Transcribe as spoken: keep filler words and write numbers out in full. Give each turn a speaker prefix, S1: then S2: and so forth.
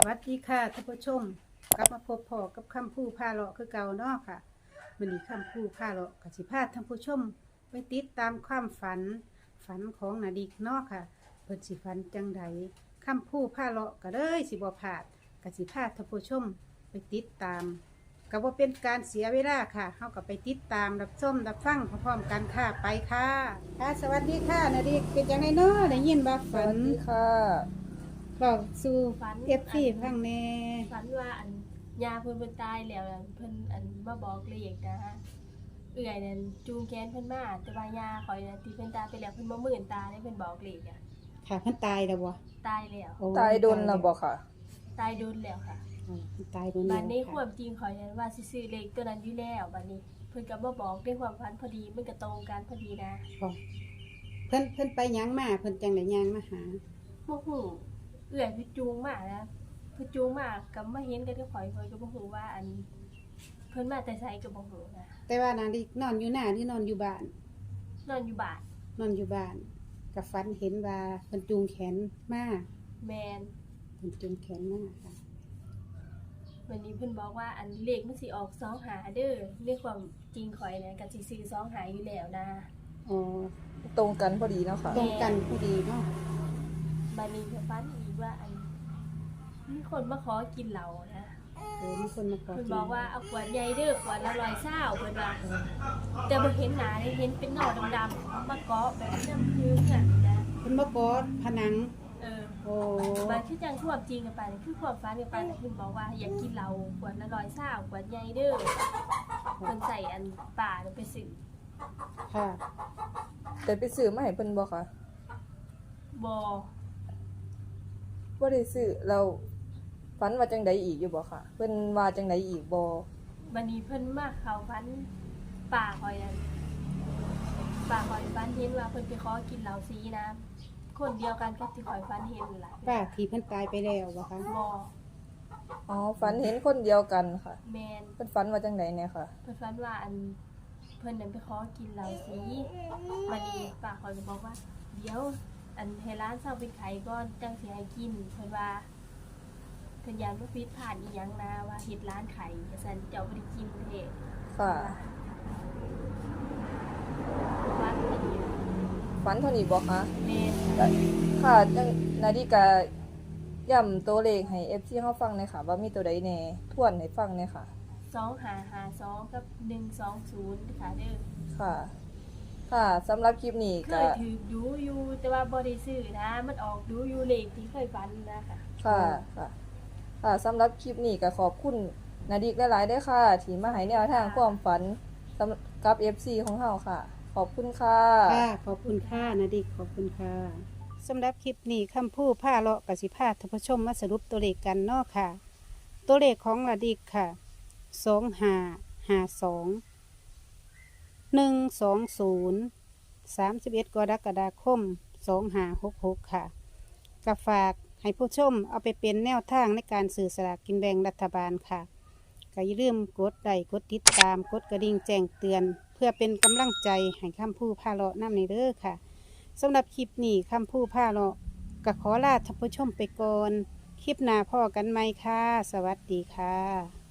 S1: วัสดีค่ะท่านผู้ชมกลับมาพบพอกับคำพูพาเลาะคือเก่าเนาะค่ะวันนี้คำพูพาเลาะกับสิพาท่านผู้ชมไปติดตามความฝันฝันของนาดิกเนาะค่ะเพิ่นสิฝันจังใดคำพูพาเลาะก็เลยสิบ่พลาดกับสิพาท่านผู้ชมไปติดตามก็บ่เป็นการเสียเวลาค่ะเฮาก็ไปติดตามรับชมรับฟังพร้อมๆกันค่ะไปค่ะค่ะสวัสดีค่ะนาดิกเป็นจังไดเนาะได้ยินว่า
S2: ส
S1: ฝั
S2: วัน สดีค่ะ
S1: บอกสู่
S3: ฝัน
S1: เอฟซีฟังแน่
S3: ฝันว่าอันยาเพิ่นเพิ่นตายแล้วอันเพิ่นอันมาบอกเลขนะฮะเอื่อยนั่นจูงแขนเพิ่นมาแต่ว่ายาข่อยน่ะที่เพิ่นตายไปแล้วเพิ่นบ่มื่นตาได้เพิ่นบอกเลขอ่ะ
S1: ค่ะเพิ่นตายแล้วบ่
S3: ตายแล้ว
S1: โอ้
S2: ตายโดนแล้วบอกค่ะ
S3: ตายโดนแล้วค่ะ
S1: อ๋อเพิ่นตายโดน
S3: บั
S1: แล้
S3: ด
S1: ว
S3: นี้ค
S1: ค่ะ
S3: วามจริงข่อยนั้นว่าสิซื้อเลขตัวนั้นอยู่แล้วบัดนี้ เพิ่นก็มาบอกด้วยความฝันพอดีมันก็ตรงกันพอดีนะ
S1: บ่เพิ่นเพิ่นไปหยังมาเพิ่นจังได้ย่างมาหา
S3: บ่ฮู้เอื่อยเพิ่นจูงมานะเพิ่นจูงมาก็มาเห็นกันกับข่อยข่อยก็บ่ฮู้ว่าอัน เพิ่นมาแต่ไสก็บ่ฮู้นะ
S1: แต่ว่านาดินอนอยู่หน้าหรือนอนอยู่บ้าน
S3: นอนอยู่บ้าน
S1: นอนอยู่บ้านก็ฝันเห็นว่าเพิ่นจูงแขนมา
S3: แมน
S1: เพิ่นจูงแขนมาค่ะ
S3: วันนี้เพิ่นบอกว่าอันเลขมันสิออกสองหาเด้อในความจริงข่อยเนี่ยก็สิซื้อสองหาอยู่แล้วนะ
S1: อ๋อ
S2: ตรงกันพอดีเนาะค่ะ
S1: ตรงกันพอดีเนาะ
S3: บัดนี้ก็ฝันอีกว่าอันมีคนมาขอกินเหล้านะ
S1: โอ้มีคนมาขอ
S3: เพิ่น
S1: กิน
S3: บอกว่าเอาขวดใหญ่เด้อขวดละร้อยเศร้าเพิ่นว่าแต่บ่เห็นหน้าเลยเห็นเป็นหน่อดำๆมาเกาะแบบน้ำพื้นน่ะนะ
S1: เพิ่นมากอดผนัง
S3: เออ
S1: โอ้
S3: บัดคือจังความจริงกันไปนี่คือความฝันกันไปแต่เพิ่นบอกว่าอยากกินเหล้าขวดละร้อยเศร้าขวดใหญ่เด้อเพิ่นใส่อันป่าน่ะไปซื้อ
S1: ค่ะ
S2: แต่ไปซื้อมาให้เพิ่นบ่ค่ะ
S3: บ่
S2: บ่ได้ซื้อเราฝันว่าจังใดอีกอยู่บ่ค่ะ เพิ่นว่าจังใดอีกบ่
S3: บันนี้เพิ่นมาเข้าฝันป่าคอยนั่นป่าคอยฝันเห็นว่าเพิ่นไปขอกินเหล้าสีนะคนเดียวกันกับที่คอยฝันเห็นนั่นล่ะ
S1: ป้าที่เพิ่นตายไปแล้วบ่คะ
S3: บ่
S2: อ๋อฝันเห็นคนเดียวกันค่ะ
S3: แมน
S2: เพิ่นฝันว่าจังใดเนี่ยค่ะ
S3: เพิ่นฝันว่าอันเพิ่นนั่นไปขอกินเหล้าสีบัดนี้ป่าคอยก็บอกว่า เดี๋ยว อันให้ร้านเซาเป็นไขก่อนจังสิให้กินเพิ่นว่าเพิ่นยานบ่ผิดพลาดอีหยังนะว่าเฮ็ดร้านไข่ว่าซั่นเจ้าบ่ได้กินเด้
S2: ค่ะ
S3: ฝันดี
S2: ฝันเท่านี้บ่คะ
S3: แม่น
S2: ค่ะจังนาฬิกาย้ำตัวเลขให้ เอฟ ซี เฮาฟังหน่อยค่ะ ว่ามีตัวใดแหน่ทวนให้ฟังหน่อยค่ะ
S3: สองห้าห้าสองกับหนึ่งสองศูนย์ค่ะเด้อ
S2: ค่ะ ค่ะสำหรับคลิปนี้
S3: เค
S2: ก็
S3: ยถือดูอยู่แต่ว่าบ่ได้ซื้อนะ มันออกดูอยู่เลขที่เคยฝันนะคะ
S2: ค่ะ ค่ะ ค่ะสำหรับคลิปนี้ก็ขอบคุณนาดิกหลายๆเด้อค่ะ ที่มาให้แนวทางความฝันสำหรับกับ เอฟ ซี ของเฮาค่ะ ขอบคุณค่ะ
S1: ค่ะขอบคุณค่ะนาดิกขอบคุณค่ะสำหรับคลิปนี้คำพูดผ้าเลาะกสิพาท่านผู้ชมมาสรุปตัวเลขกันเนาะค่ะ ตัวเลขของนาดิกค่ะสองห้าห้าสองหนึ่งสองศูนย์สามสิบเอ็ดกรกฎาคมสองห้าหกหกค่ะกับฝากให้ผู้ชมเอาไปเป็นแนวทางในการสื่อสลากกินแบ่งรัฐบาลค่ะก็อย่าลืมกดไลค์กดติดตามกดกระดิ่งแจ้งเตือน เพื่อเป็นกำลังใจให้คำพูดพาเลาะน้ำในเด้อค่ะสำหรับคลิปนี้คำพูดพาเลาะก็ขอลาท่านผู้ชมไปก่อนคลิปหน้าพ่อกันไหมค่ะสวัสดีค่ะ